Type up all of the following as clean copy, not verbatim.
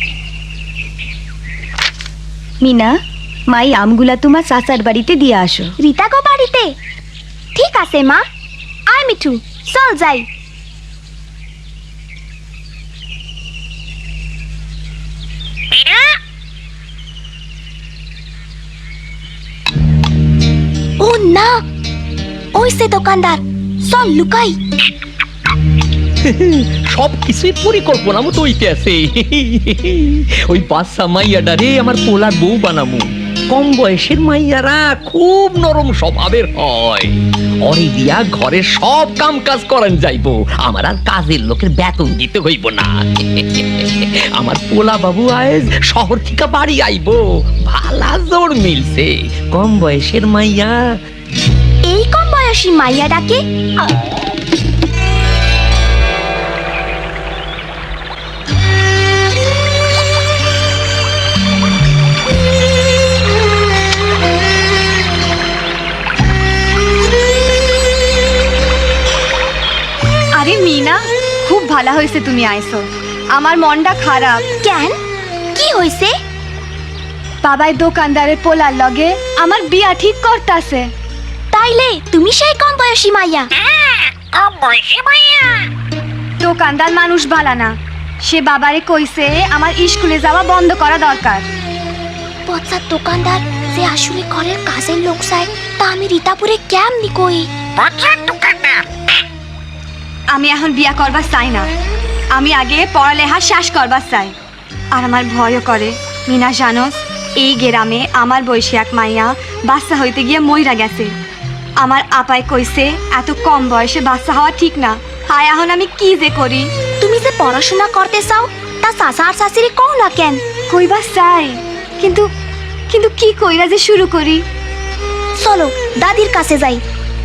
মিনা, মাই আমগুলা তোমার চাচার বাড়িতে দিয়ে আসো। রিতা গো বাড়িতে? ঠিক আছে মা। আয় মিঠু, চল যাই। ও না, ওই সে দোকানদার, চল লুকাই। সব কিছুই পরিকল্পনা মতো হইতে আছে। ওই বাচ্চা মাইয়াডারে আমার পোলার বউ বানামু। কম বয়সের মাইয়ারা খুব নরম স্বভাবের হয়। অরে দিয়া ঘরের সব কাম কাজ করান যাইবো, আমার আর কাজের লোকের বেতন দিতে হইব না। আমার পোলা বাবু আজ শহর থেকে বাড়ি আইবো, ভালা জোর মিলছে। কম বয়সের মাইয়া। এই কম বয়সী মাইয়া ডাকে? আরে মিনা, খুব ভালো হয়েছে তুমি আইছো। আমার মনটা খারাপ। কেন, কি হইছে? বাবাই দোকানদারের পোলার লগে আমার বিয়া ঠিক করতাছে। তাইলে তুমি সেই কম বয়সী মাইয়া? দোকানদার মানুষ ভালো না, সে বাবারে কইছে আমার স্কুলে যাওয়া বন্ধ করা দরকার। পচার দোকানদার যে আসলে ঘরের কাজের লোক চায়, তা আমি রিতাপুরে কেমনি কই? আমি এখন বিয়া করবার চাই না, আমি আগে পড়ালেখা শেষ করবার চাই। আর আমার ভয়ও করে। মিনা জানোস, এই গ্রামে আমার বয়সী এক মাইয়া বাচ্চা হইতে গিয়ে মইরা গেছে। আমার আপায় কইছে এত কম বয়সে বাচ্চা হওয়া ঠিক না। হায়, এখন আমি কি যে করি? তুমি যে পড়াশোনা করতে চাও, তা চাচা আর চাচিরে কও না কেন? কইবা চাই, কিন্তু কিন্তু কি কইরা যে শুরু করি? চলো দাদির কাছে যাই।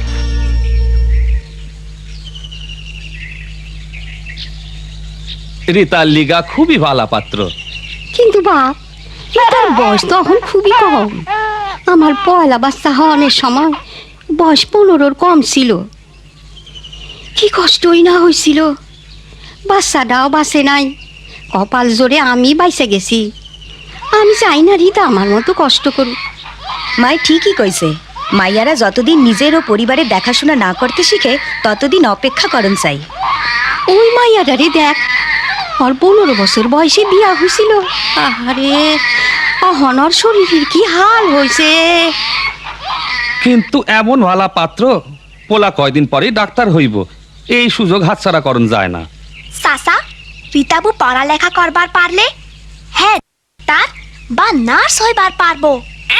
রিতার লিগা খুবই ভালো পাত্র। কিন্তু বাপ, রিতার বয়স তো এখন খুবই কম। আমার পয়লা বাচ্চা হওয়ার সময় বয়স 15-র কম ছিল। কি কষ্টই না হয়েছিল। বাচ্চাটাও বাঁচে নাই, কপাল জোরে আমি বাইসে গেছি। আমি চাই না রিতা আমার মতো কষ্ট করুক। মাই ঠিকই কইছে, মাইয়ারা যতদিন নিজের ও পরিবারের দেখাশোনা না করতে শিখে ততদিন অপেক্ষা করন চাই। ওই মাইয়াটারে দেখ, ওর 15 বছর বয়সে বিয়া হয়েছিল। আহারে, অহনর শরীরের কি হাল হয়েছে। কিন্তু এমন ভালা পাত্র, পোলা কয়দিন পরে ডাক্তার হইব, এই সুযোগ হাতছাড়া করন যায় না। চাচা, রিতাবু পড়ালেখা করবার পারলে হ্যাঁ তার বা নার্স হইবার পারবো।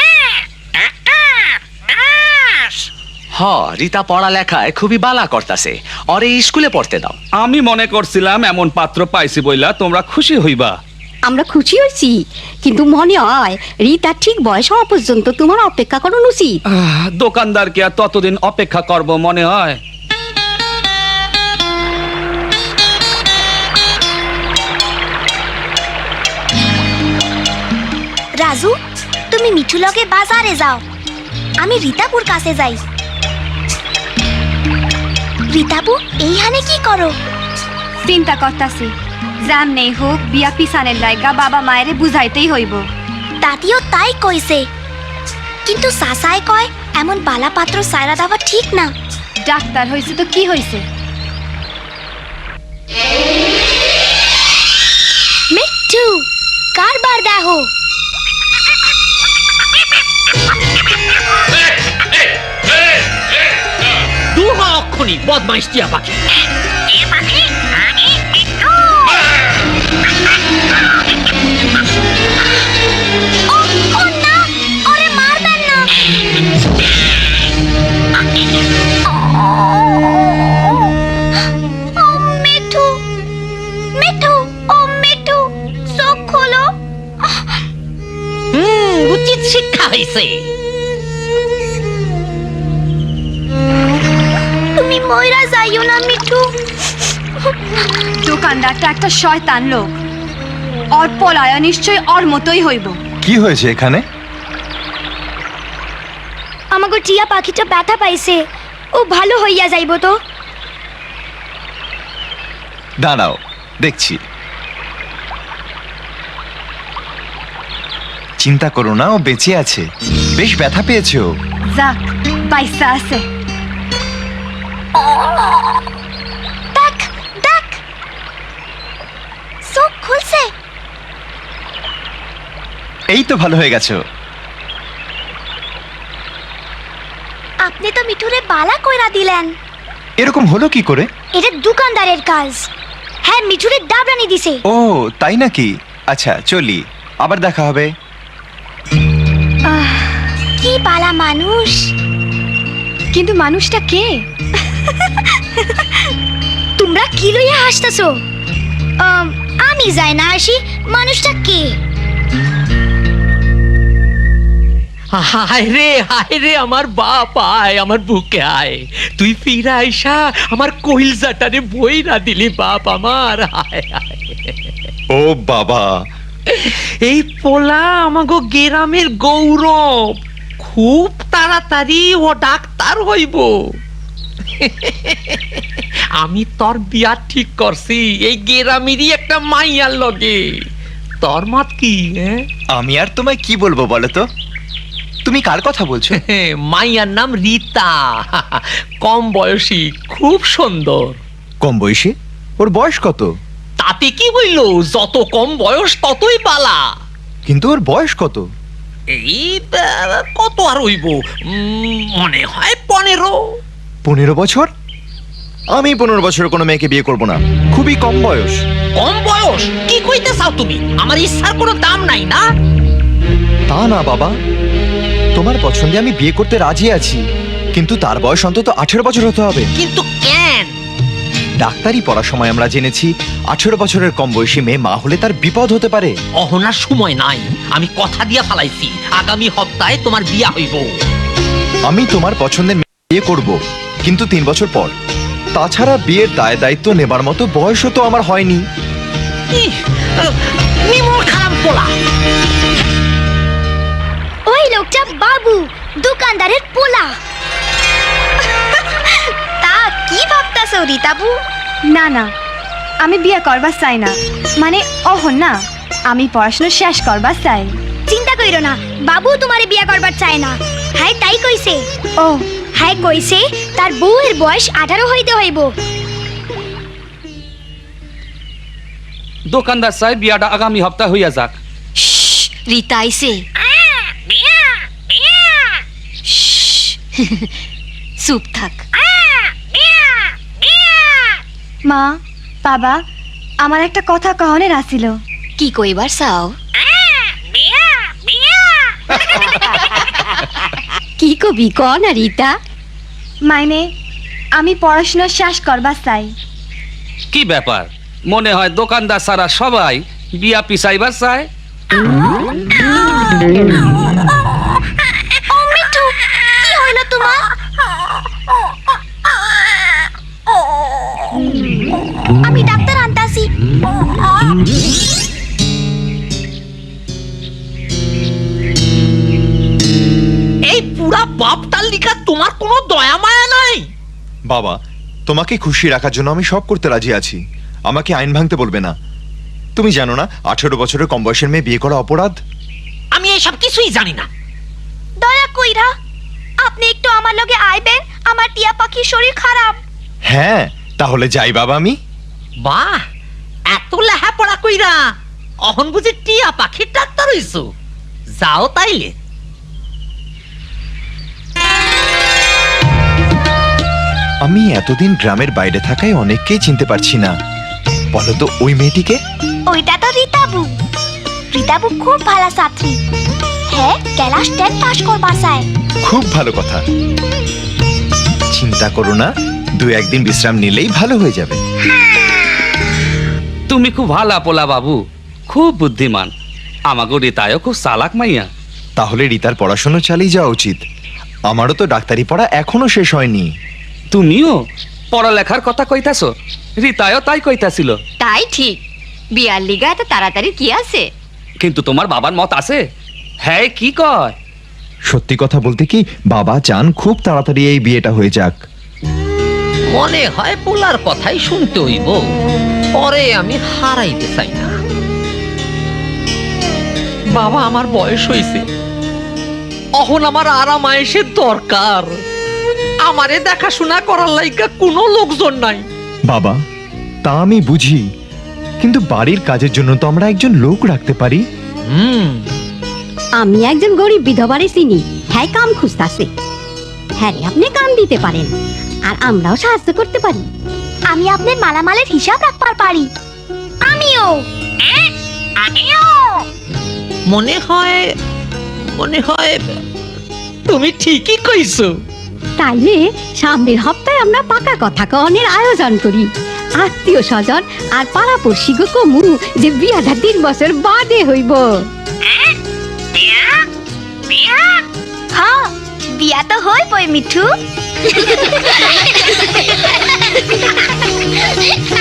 হ, রিতা পড়ালেখায় খুবই বালা করতাছে, অরে স্কুলে পড়তে দাও। আমি মনে করছিলাম এমন পাত্র পাইছি বইলা তোমরা খুশি হইবা। আমরা খুশি হয়েছি, কিন্তু মনে হয় রিতা ঠিক বয়স হওয়া পর্যন্ত তোমার অপেক্ষা করানো উচিত। দোকানদারকে আর ততদিন অপেক্ষা করব মনে হয়? রাজু, তুমি মিঠু লগে বাজারে যাও, আমি রিতাপুর কাছে যাই। রিতাপু, এইখানে কি করো? চিন্তা করতাছি, জাম নেই হোক বিয়া পিছানের লাইগা বাবা মায়েরে বুঝাইতেই হইব। দাদিও তাই কইছে, কিন্তু চাচাই কয় এমন বালা পাত্র সাইরা দেওয়া ঠিক না। ডাক্তার হইছে তো কি হইছে? মিঠু, কারবার দেখো। দুহা অক্ষণি বদমাইশ টিয়া পাখি। ও না, ওরে মারবেন না। ও মিঠু, মিঠু, ও মিঠু, চোখ খোলো। উচিত শিক্ষা হয়েছে। তুমি ময়রা যাইও না মিঠু। দোকানদারটা একটা শয়তান লোক, ওর পলায়া নিশ্চয় ওর মতোই হইব। কি হয়েছে এখানে? আমাকে টিয়া পাখিটা ব্যথা পাইছে, ও ভালো হইয়া যাইব তো। দাঁড়াও, দেখছি। চিন্তা করো না, ও বেঁচে আছে। বেশ ব্যথা পেয়েছে ও। যাক বাইসা আছে। দেখ দেখ, চোখ খুলছে। এই তো ভালো হয়ে গেছে ও। আপনি তো মিঠুরে বালা কইরা দিলেন। এরকম হলো কি করে? এটা দোকানদারের কাজ। হ্যাঁ, মিঠুরে ডাবরানি দিছে। ও তাই নাকি? আচ্ছা চলি, আবার দেখা হবে। কি বালা মানুষ। কিন্তু মানুষটা কে? তোমরা কি লইয়া হাসতেছো? আমি যাই না আসি, মানুষটা কে? হায় রে আমার বাপ, আয় আমার বুকে আয়। তুই ফিরা আইসা আমার কইলজাটারে বই না দিলি বাপ আমার। হায় হায়। ও বাবা, এই পোলা আমাগো গ্রামের গৌরব, খুব তাড়াতাড়ি ও ডাক্তার হইব। আমি তোর বিয়া ঠিক করছি এই গ্রামেরই একটা মাইয়ার লগে। তোর মত কি? আমি আর তোমায় কি বলবো বলো তো? তুমি কার কথা বলছো? মাইয়ার নাম রীতা, কম বয়সী, খুব সুন্দর। কম বয়সী? ওর বয়স কত? তাতে কি হইল, যত কম বয়স ততই বালা। কিন্তু ওর বয়স কত? এই কত আর হইব, মনে হয় 15। 15 বছর? আমি 15 বছরের কোনো মেয়েকে বিয়ে করব না, খুবই কম বয়স। কম বয়স? কি কইতে চাও তুমি? আমার ইচ্ছার কোনো দাম নাই না? তা না বাবা, তোমার পছন্দে আমি বিয়ে করতে রাজি আছি, কিন্তু তার বয়স অন্তত 18 বছর হতে হবে। কিন্তু কেন? ডাক্তারি পড়ার সময় আমরা জেনেছি 18 বছরের কম বয়সী মেয়ে মা হলে তার বিপদ হতে পারে। অহনার সময় নাই, আমি কথা দিয়া ফালাইছি আগামী সপ্তাহে তোমার বিয়া হইব। আমি তোমার পছন্দের মেয়ে বিয়ে করব, কিন্তু 3 বছর পর। তাছাড়া বিয়ের দায় দায়িত্ব নেবার মতো বয়সও তো আমার হয়নি। নিমুর খারাপ পোলা। ওই লোকটা বাবু, দোকানদারের পোলা। তা কি ভাবতাছো রীতাবু? না না, আমি বিয়ে করবার চাই না। মানে না, আমি পড়াশোনা শেষ করবার চাই। চিন্তা কইরো না, বাবু তোমারে বিয়া করবার চায় না। হ্যাঁ তাই কইছে। ও হ্যাঁ কইছে তার বউয়ের বয়স 18 হইতে হইব। দোকানদার সাহেব, বিয়াটা আগামী সপ্তাহ হইয়া যাক। রীতা আইছে। চুপ থাক। মা, বাবা, আমার একটা কথা কহনের আসিল। কি কইবার চাও? কি কবি ক না রীতা? মাইনে আমি পড়াশোনা শেষ করবার চাই। কি ব্যাপার, মনে হয় দোকানদার সারা সবাই বিয়া পিছাইবার চায়। ও মিঠু, কি হইল তোমার? আমি ডাক্তার আনতাছি। এই পুরা বাপটার লিখা তোমার কোনো দয়া মায়া নাই? বাবা, তোমাকে খুশি রাখার জন্য আমি সব করতে রাজি আছি, আমাকে আইন ভাঙতে বলবে না। তুমি জানো না 18 বছরের কম বয়সের মেয়ে বিয়ে করা অপরাধ? আমি এসব কিছুই জানি না। দয়া কইরা আপনি একটু আমার লগে আইবেন, আমার টিয়া পাখির শরীর খারাপ। হ্যাঁ, তাহলে যাই বাবা আমি। বাহ, এত লেহাপড়া কইরা অহন বুঝি টিয়া পাখির ডাক্তার হইছো? যাও তাইলে। আমি এতদিন গ্রামের বাইরে থাকায় অনেককেই চিনতে পারছি না। বলো তো ওই মেয়েটিকে? ওইটা তো রীতাবু। রীতাবু খুব ভালো ছাত্রী। হ্যাঁ, ক্লাস 10 পাস করবার চায়। খুব ভালো কথা। চিন্তা করো না, 2-1 দিন বিশ্রাম নিলেই ভালো হয়ে যাবে। তুমি খুব ভালা পোলা বাবু, খুব বুদ্ধিমান। আমাগো রীতায়ও খুব চালাক মাইয়া। তাহলে রীতার পড়াশোনা চালিয়ে যাওয়া উচিত। আমারও তো ডাক্তারি পড়া এখনো শেষ হয়নি। তুমিও পড়ালেখার কথা কইতাছ, রীতায়ও তাই কইতাছিল। তাই ঠিক, বিয়ার লিগা এত তাড়াতাড়ি কি আছে? কিন্তু তোমার বাবার মত আছে? হ্যাঁ, কি কয়? সত্যি কথা বলতে কি, বাবা চান খুব তাড়াতাড়ি এই বিয়েটা হয়ে যাক। মনে হয় পোলার কথাই শুনতে হইব, পরে আমি হারাইতে চাই না। বাবা আমার বয়স হইছে, অহন আমার আরাম আয়েসের দরকার। আমারে দেখাশোনা করার লাইগা কোনো লোকজন নাই। বাবা, তা আমি বুঝি, কিন্তু বাড়ির কাজের জন্য তো আমরা একজন লোক রাখতে পারি। আমি একজন গরিব বিধবারে চিনি, হ্যাঁ কাম খুঁজতাছে। হ্যাঁ রে, আপনি কাম দিতে পারেন আর আমরাও সাহায্য করতে পারি। আমি আপনার মালামালের হিসাব রাখবার পারি। আমিও মনে হয় তুমি ঠিকই কইছো। তাইলে সামনের হপ্তাহে আমরা পাকা কথা কনের আয়োজন করি। আত্মীয় স্বজন আর পাড়াপড়শি গো কমু যে বিয়াটা 3 বছর বাদে হইব। হ্যাঁ, বিয়া তো হইবই মিঠু।